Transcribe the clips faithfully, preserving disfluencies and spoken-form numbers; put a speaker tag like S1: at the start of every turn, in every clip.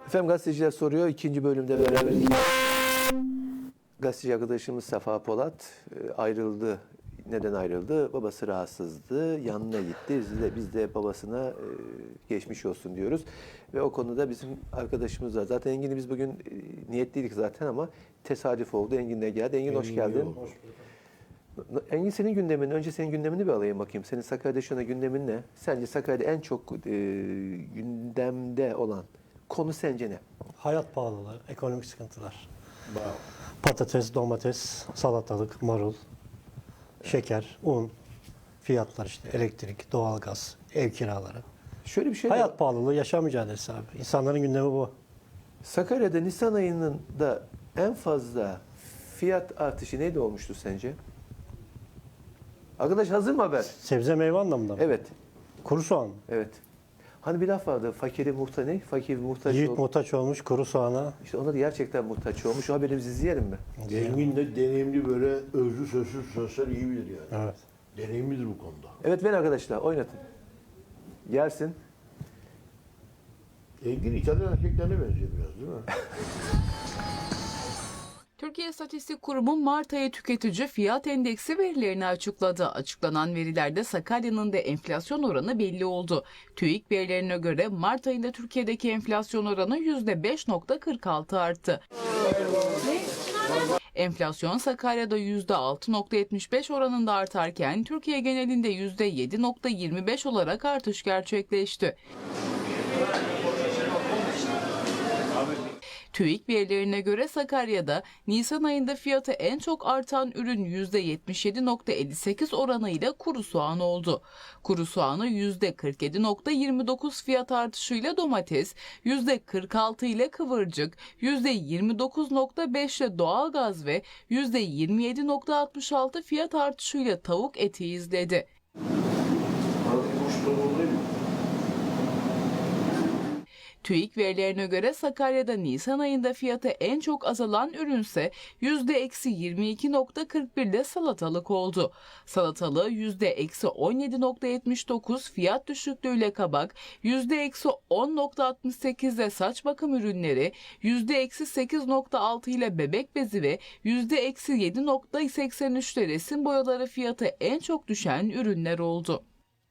S1: Efendim gazeteciler soruyor. İkinci bölümde beraberiz. Gazeteci arkadaşımız Safa Polat e, ayrıldı. Neden ayrıldı? Babası rahatsızdı. Yanına gitti. Biz de, biz de babasına e, geçmiş olsun diyoruz. Ve o konuda bizim arkadaşımız var. Zaten Engin'i biz bugün e, niyetliydik zaten ama tesadüf oldu. Engin de geldi. Engin, hoş geldin. Hoş Engin, senin gündemin, önce senin gündemini bir alayım bakayım. Senin Sakarya'da şu anda gündemin ne? Sence Sakarya'da en çok e, gündemde olan konu sence ne?
S2: Hayat pahalılığı, ekonomik sıkıntılar.
S1: Wow.
S2: Patates, domates, salatalık, marul, şeker, un, fiyatlar işte, elektrik, doğalgaz, ev kiraları.
S1: Şöyle bir şey
S2: Hayat
S1: var.
S2: pahalılığı, yaşam mücadelesi abi. İnsanların gündemi bu.
S1: Sakarya'da Nisan ayının da en fazla fiyat artışı neydi olmuştu sence? Arkadaş hazır mı haber?
S2: Sebze meyve anlamında mı?
S1: Evet.
S2: Kuru soğan.
S1: Evet. Hani bir laf vardı. Fakiri muhtaç ne? Fakir muhtaç
S2: Yiğit
S1: ol-
S2: muhtaç olmuş kuru soğana.
S1: İşte ona da gerçekten muhtaç olmuş. O haberimizi izleyelim mi?
S3: Engin de deneyimli, böyle özlü sözsüz sözler iyi bilir yani.
S2: Evet.
S3: Deneyimlidir bu konuda.
S1: Evet, ben arkadaşlar oynatın. Gelsin.
S3: Engin İtalyan erkeklerine benziyor biraz, değil mi?
S4: Türkiye İstatistik Kurumu Mart ayı tüketici fiyat endeksi verilerini açıkladı. Açıklanan verilerde Sakarya'nın da enflasyon oranı belli oldu. TÜİK verilerine göre Mart ayında Türkiye'deki enflasyon oranı yüzde beş nokta kırk altı arttı. Enflasyon Sakarya'da yüzde altı nokta yetmiş beş oranında artarken Türkiye genelinde yüzde yedi nokta yirmi beş olarak artış gerçekleşti. TÜİK verilerine göre Sakarya'da Nisan ayında fiyatı en çok artan ürün yüzde yetmiş yedi nokta elli sekiz oranıyla kuru soğan oldu. Kuru soğanı yüzde kırk yedi nokta yirmi dokuz fiyat artışıyla domates, yüzde kırk altı ile kıvırcık, yüzde yirmi dokuz nokta beş ile doğalgaz ve yüzde yirmi yedi nokta altmış altı fiyat artışıyla tavuk eti izledi. TÜİK verilerine göre Sakarya'da Nisan ayında fiyatı en çok azalan ürünse yüzde eksi yirmi iki nokta kırk bir ile salatalık oldu. Salatalığı yüzde eksi on yedi nokta yetmiş dokuz fiyat düşüklüğüyle kabak, yüzde eksi on nokta altmış sekiz ile saç bakım ürünleri, yüzde eksi sekiz nokta altı ile bebek bezi ve yüzde eksi yedi nokta seksen üç ile resim boyaları fiyatı en çok düşen ürünler oldu.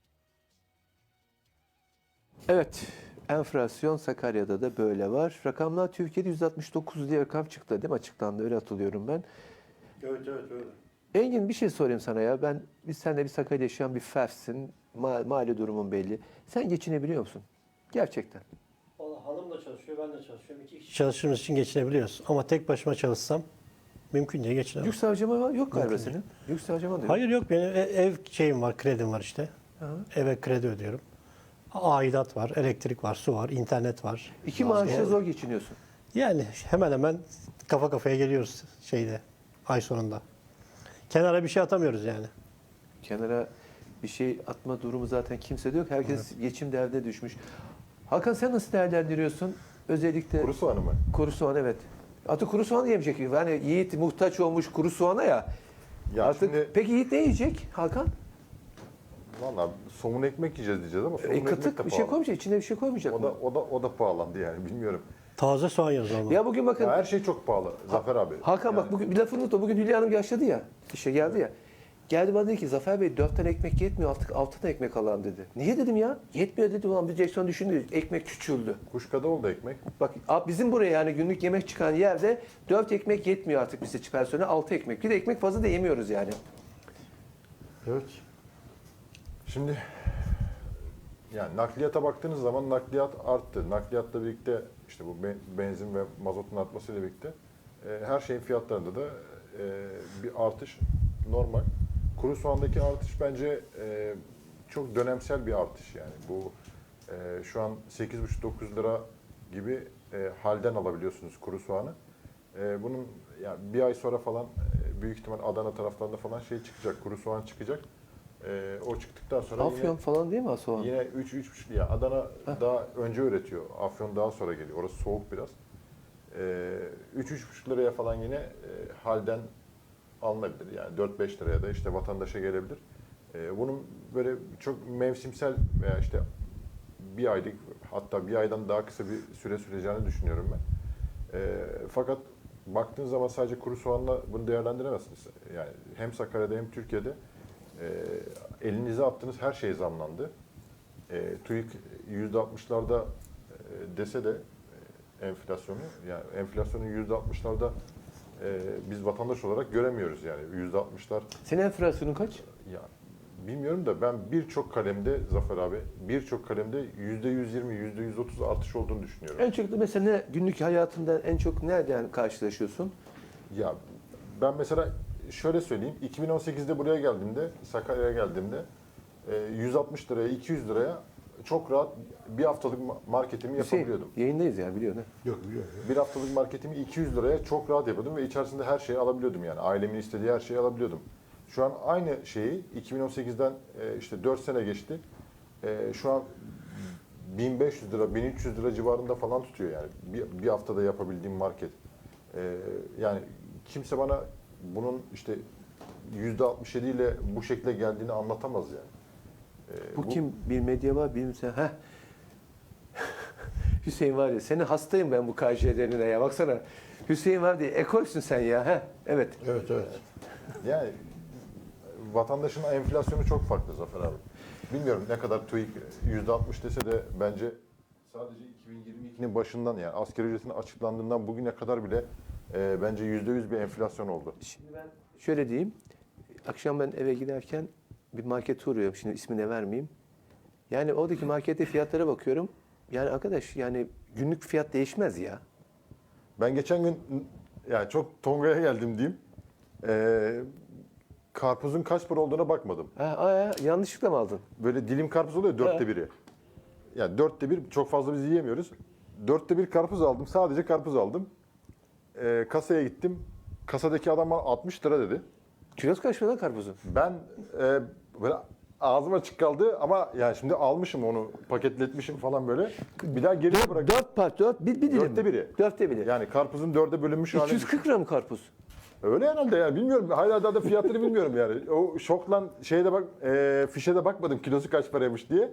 S1: Evet. Enflasyon Sakarya'da da böyle var. Rakamlar Türkiye'de yüz altmış dokuz diye rakam çıktı değil mi? Açıklandı. Öyle hatırlıyorum ben.
S3: Evet, evet, öyle.
S1: Engin, bir şey sorayım sana ya. Ben biz seninle bir Sakarya'da yaşayan bir fersin. Ma mali durumun belli. Sen geçinebiliyor musun? Gerçekten.
S2: Vallahi hanım da çalışıyor, ben de çalışıyorum. İki kişi çalıştığımız için geçinebiliyoruz. Ama tek başıma çalışsam mümkün değil, geçinemem.
S1: Yük harcama var- yok galiba
S2: Mümkün
S1: senin. Yük harcama da yok.
S2: Hayır yok, benim e- ev şeyim var, kredim var işte.
S1: Hı.
S2: Eve kredi ödüyorum. Aidat var, elektrik var, su var, internet var.
S1: İki maaşla zor geçiniyorsun.
S2: Yani hemen hemen kafa kafaya geliyoruz şeyde, ay sonunda. Kenara bir şey atamıyoruz yani.
S1: Kenara bir şey atma durumu zaten kimse de yok. Herkes geçim derdine düşmüş. Hakan, sen nasıl değerlendiriyorsun? Özellikle
S5: Kuru soğanı mı?
S1: kuru soğan, evet. Atı kuru soğan yemeyecek. Yani Yiğit muhtaç olmuş kuru soğana ya.
S5: Ya
S1: Artık
S5: şimdi
S1: peki Yiğit ne yiyecek Hakan?
S5: valla somun ekmek yiyeceğiz diyeceğiz ama somun
S1: E,
S5: ekmek de
S1: kıtık bir şey
S5: pahalı.
S1: koymayacak. İçine bir şey koymayacak
S5: O
S1: mı?
S5: da o da o da pahalandı yani bilmiyorum.
S2: Taze soğan yiyoruz ama.
S1: Ya bugün bakın
S5: Ya her şey çok pahalı Zafer abi.
S1: Hakan, bak
S5: Yani
S1: bugün bir lafını unutma. Bugün Hülya Hanım yaşladı ya. İşe geldi ya. Geldi bana dedi ki Zafer Bey dört tane ekmek yetmiyor, artık altı tane ekmek alalım dedi. Niye dedim ya? Yetmiyor dedi. Ulan bir direksiyon düşündü. Ekmek küçüldü.
S5: kuşkada oldu ekmek.
S1: Bak abi, bizim buraya yani günlük yemek çıkan yerde dört ekmek yetmiyor artık bize personel, altı ekmek. Bir de ekmek fazla da yemiyoruz yani.
S5: Evet. Şimdi yani nakliyata baktığınız zaman nakliyat arttı. Nakliyatla birlikte işte bu be- benzin ve mazotun artmasıyla birlikte e, her şeyin fiyatlarında da e, bir artış normal. Kuru soğandaki artış bence e, çok dönemsel bir artış yani. Bu e, şu an sekiz buçuk dokuz lira gibi e, halden alabiliyorsunuz kuru soğanı. E, bunun yani bir ay sonra falan e, büyük ihtimal Adana taraflarında falan şey çıkacak, kuru soğan çıkacak. E, o çıktıktan sonra
S1: Afyon
S5: yine
S1: falan değil mi soğan?
S5: Yine üç üç buçuk ya Adana daha önce üretiyor. Afyon daha sonra geliyor. Orası soğuk biraz. Ee, üç üç buçuk liraya falan yine e, halden alınabilir. Yani dört beş liraya da işte vatandaşa gelebilir. Ee, bunun böyle çok mevsimsel veya işte bir aylık hatta bir aydan daha kısa bir süre süreceğini düşünüyorum ben. E, fakat baktığın zaman sadece kuru soğanla bunu değerlendiremezsiniz. Yani hem Sakarya'da hem Türkiye'de e, elinize attığınız her şey zamlandı. E, TÜİK yüzde altmışlarda e, dese de e, enflasyonu, yani enflasyonun yüzde altmışlarda e, biz vatandaş olarak göremiyoruz yani yüzde altmışlar.
S1: Senin enflasyonun kaç?
S5: Ya bilmiyorum da ben birçok kalemde Zafer abi, birçok kalemde yüzde yüz yirmi, yüzde yüz otuz artış olduğunu düşünüyorum.
S1: En çok da mesela ne, günlük hayatında en çok nereden karşılaşıyorsun?
S5: Ya ben mesela şöyle söyleyeyim, iki bin on sekizde buraya geldiğimde, Sakarya'ya geldiğimde e, yüz altmış liraya, iki yüz liraya çok rahat bir haftalık ma- marketimi
S1: Hüseyin,
S5: yapabiliyordum.
S1: yayındayız ya biliyorsun. ha?
S3: Yok biliyorum.
S5: Bir haftalık marketimi iki yüz liraya çok rahat yapıyordum ve içerisinde her şeyi alabiliyordum yani. Ailemin istediği her şeyi alabiliyordum. Şu an aynı şeyi iki bin on sekizden e, işte dört sene geçti. E, şu an bin beş yüz lira, bin üç yüz lira civarında falan tutuyor yani. Bir, bir haftada yapabildiğim market. E, yani kimse bana bunun işte yüzde altmış yedi ile bu şekilde geldiğini anlatamaz yani. E,
S1: Bu, kim? Bir medya var, bir sen. Heh. Hüseyin var ya, senin hastayım ben bu K J L'lerine ya. Baksana. Hüseyin var diye ekolsün sen ya. Heh. Evet.
S3: Evet evet.
S5: Yani vatandaşın enflasyonu çok farklı Zafer abi. Bilmiyorum ne kadar TÜİK yüzde altmış dese de bence sadece iki bin yirmi ikinin başından yani asgari ücretin açıklandığından bugüne kadar bile e, bence yüzde yüz bir enflasyon oldu.
S1: Şimdi ben şöyle diyeyim. Akşam ben eve giderken bir markete uğruyorum. Şimdi ismini vermeyeyim. Yani oradaki markette fiyatlara bakıyorum. Yani arkadaş yani günlük fiyat değişmez ya.
S5: Ben geçen gün yani çok Tonga'ya geldim diyeyim. E, karpuzun kaç para olduğuna bakmadım.
S1: Ha, aa, yanlışlıkla mı aldın?
S5: Böyle dilim karpuz oluyor dörtte
S1: Evet.
S5: biri. Yani dörtte bir çok fazla biz yiyemiyoruz. Dörtte bir karpuz aldım. Sadece karpuz aldım. Ee, kasaya gittim. Kasadaki adam bana altmış lira dedi.
S1: Kilosu kaç para lan karpuzun?
S5: Ben e, böyle ağzım açık kaldı ama yani şimdi almışım onu paketletmişim falan böyle. Bir daha geriye bırak.
S1: Dört part, dört, bir, bir dilim.
S5: Dörtte biri.
S1: Dörtte biri.
S5: Yani karpuzun dörde bölünmüş hali.
S1: iki yüz kırk lira mı karpuz?
S5: Öyle herhalde yani bilmiyorum. Hala daha da fiyatları bilmiyorum yani. O şokla şeyde bak e, fişe de bakmadım kilosu kaç paraymış diye.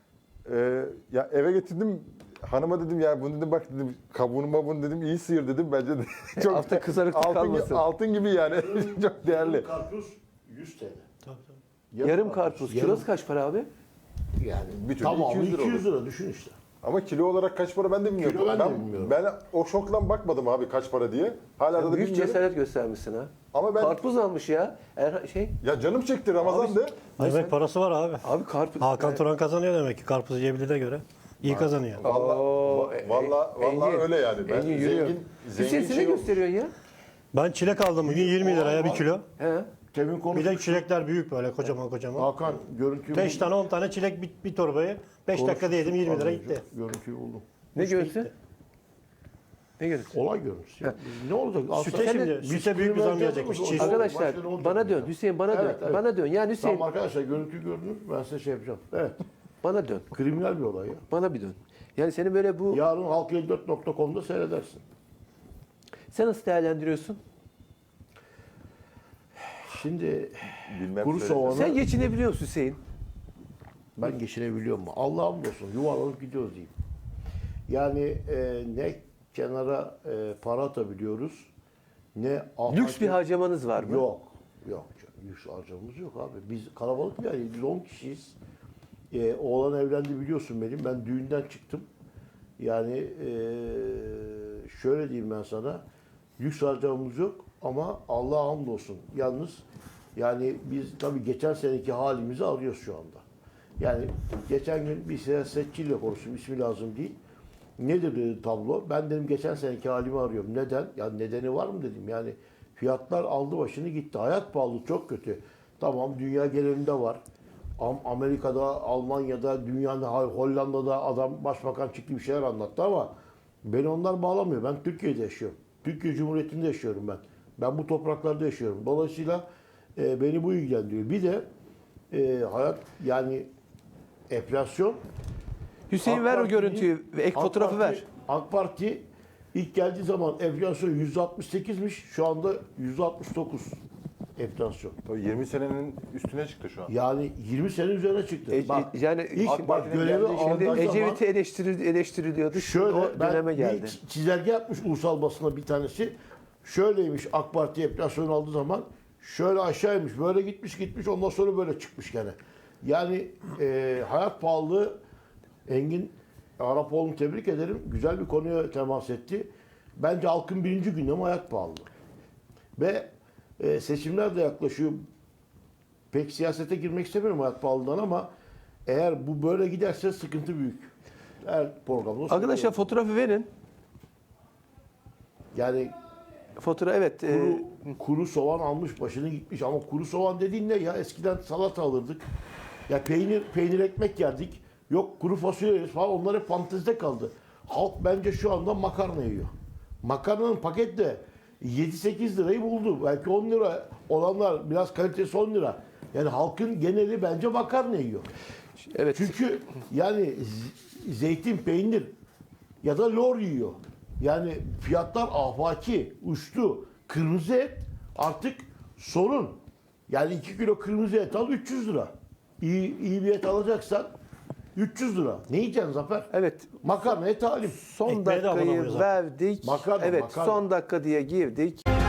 S5: E, ya eve getirdim hanıma dedim ya bunu dedim bak dedim kabuğunu mabuğunu dedim iyi sıyır dedim bence de çok
S1: Altta kızarıklık
S5: altın, gi-
S1: kalmasın.
S5: altın gibi yani çok değerli.
S3: Karpuz yüz T L.
S2: Tabii, tabii.
S1: Yarım karpuz.
S3: Yarım-
S1: Kilosu kaç para abi?
S3: Yani
S5: Bir türlü
S3: tamamı
S5: iki yüz lira
S3: iki yüz lira düşün işte.
S5: Ama kilo olarak kaç para ben de bilmiyorum.
S3: Kilo ben de
S5: ben,
S3: bilmiyorum.
S5: ben o şokla bakmadım abi kaç para diye. Hala da
S1: Büyük
S5: bilmiyorum.
S1: cesaret göstermişsin ha.
S5: Ama ben
S1: Karpuz almış ya. Er, şey,
S5: ya canım çekti Ramazan'dı.
S2: Demek parası var abi.
S1: abi karpuz.
S2: Hakan Turan kazanıyor demek ki karpuz yiyebildiğine göre. İyi kazanıyor.
S5: Vallahi
S1: Oo,
S5: va- vallahi
S1: Engin,
S5: vallahi öyle yani. Ben
S1: Engin yürüyor.
S5: zengin
S1: Hüseyin
S5: zengin
S1: sen ne
S5: şey olmuş.
S1: gösteriyorsun ya?
S2: Ben çilek aldım bugün yirmi liraya bir kilo.
S1: He.
S3: Temin
S2: Bir de
S3: konuşmuştuk.
S2: çilekler büyük böyle kocaman kocaman.
S3: Hakan görüntüyü
S2: beş
S3: buldum.
S2: tane on tane çilek bir, bir torbayı beş dakikada yedim yirmi lira gitti.
S3: Görüntüyü buldum.
S1: Ne görüntüsü? Ne görüntüsü?
S3: Olay görüntüsü. Ya. Ne olacak?
S2: Süte
S3: Aslında-
S2: şimdi,
S3: Biz
S2: süte büyük bir zam gelecekmiş.
S3: kıymetli
S2: Çiğ.
S3: olacak.
S1: Arkadaşlar
S3: Başka ne olacak
S1: bana
S3: ya?
S1: dön. Hüseyin bana
S3: Evet,
S1: dön.
S3: evet.
S1: Bana dön. Yani Hüseyin
S3: Tamam arkadaşlar görüntü gördünüz. Ben size şey yapacağım. Evet.
S1: bana dön.
S3: Kriminal bir olay ya.
S1: Bana bir dön. Yani seni böyle bu...
S3: Yarın halk elli dört nokta com'da seyredersin.
S1: Sen nasıl değerlendiriyorsun?
S3: Şimdi
S5: Bilmem
S3: kuru
S5: söyle.
S3: soğanı
S1: Sen geçinebiliyor musun Hüseyin?
S3: ben geçinebiliyor mu? Allah'ım olsun yuvarlanıp gidiyoruz diyeyim. Yani e, ne kenara e, para atabiliyoruz ne
S1: Lüks bir harcamanız var mı?
S3: Yok. Yok. canım, Lüks harcamamız yok abi. Biz kalabalık bir aileyiz. Biz on kişiyiz. Ee, oğlan evlendi biliyorsun benim. Ben düğünden çıktım. Yani ee, şöyle diyeyim ben sana. Lüks harcamamız yok ama Allah'a hamdolsun. Yalnız yani biz tabii geçen seneki halimizi arıyoruz şu anda. Yani geçen gün bir siyasetçiyle konuştum. İsmi lazım değil. Nedir dedi tablo? Ben dedim geçen seneki halimi arıyorum. Neden? Ya nedeni var mı dedim. Yani fiyatlar aldı başını gitti. Hayat pahalı çok kötü. Tamam dünya genelinde var. Am- Amerika'da, Almanya'da, dünyanın Hollanda'da adam başbakan çıktı bir şeyler anlattı ama beni onlar bağlamıyor. Ben Türkiye'de yaşıyorum. Türkiye Cumhuriyeti'nde yaşıyorum ben. Ben bu topraklarda yaşıyorum. Dolayısıyla e, beni bu ilgilendiriyor. Bir de e, hayat yani enflasyon.
S1: Hüseyin
S3: AK
S1: ver o
S3: Parti'nin-
S1: görüntüyü ve ek
S3: AK
S1: fotoğrafı
S3: Parti-
S1: ver.
S3: AK Parti ilk geldiği zaman enflasyon yüzde altmış sekizmiş. Şu anda yüzde altmış dokuz. enflasyon.
S5: Tabii yirmi senenin üstüne çıktı şu an.
S3: Yani yirmi sene üzerine çıktı.
S1: E,
S3: bak,
S1: yani
S3: ilk
S5: AK
S3: bak
S5: Parti'nin
S3: görevi
S5: geldiği-
S1: Şimdi
S3: aldığı zaman
S1: Ecevit'i eleştiril, eleştiriliyordu. Şimdi
S3: şöyle
S1: o döneme
S3: ben
S1: geldi.
S3: bir çizelge yapmış ulusal basına bir tanesi. Şöyleymiş AK Parti enflasyon aldığı zaman şöyle aşağıymış, böyle gitmiş gitmiş ondan sonra böyle çıkmış gene. Yani e, hayat pahalılığı Engin Arapoğlu'nu tebrik ederim. Güzel bir konuya temas etti. Bence halkın birinci gündemi hayat pahalılığı. Ve e, seçimler de yaklaşıyor. Pek siyasete girmek istemiyorum hayat pahalılığından ama eğer bu böyle giderse sıkıntı büyük. Her programda
S1: Arkadaşlar
S3: söylüyorum.
S1: fotoğrafı verin.
S3: Yani
S1: Fotoğraf evet. e,
S3: kuru, kuru soğan almış başını gitmiş ama kuru soğan dediğin ne ya? Eskiden salata alırdık. Ya peynir peynir ekmek yerdik. Yok kuru fasulye yeriz falan. Onlar hep fantezide kaldı. Halk bence şu anda makarna yiyor. Makarnanın paket de yedi sekiz lirayı buldu. Belki on lira olanlar biraz kalitesi on lira. Yani halkın geneli bence makarna yiyor.
S1: evet.
S3: Çünkü yani z- zeytin, peynir ya da lor yiyor. Yani fiyatlar afaki, uçtu. Kırmızı et artık sorun. Yani iki kilo kırmızı et al üç yüz lira. İyi, iyi bir et alacaksan üç yüz lira. Ne yiyeceksin Zafer?
S1: Evet.
S3: Makarnaya talim.
S1: Son
S2: Ekmeğe de
S1: dakikayı
S2: abanamıyor zaten.
S1: verdik.
S3: Makarna,
S1: evet,
S3: makarna.
S1: son dakika diye girdik.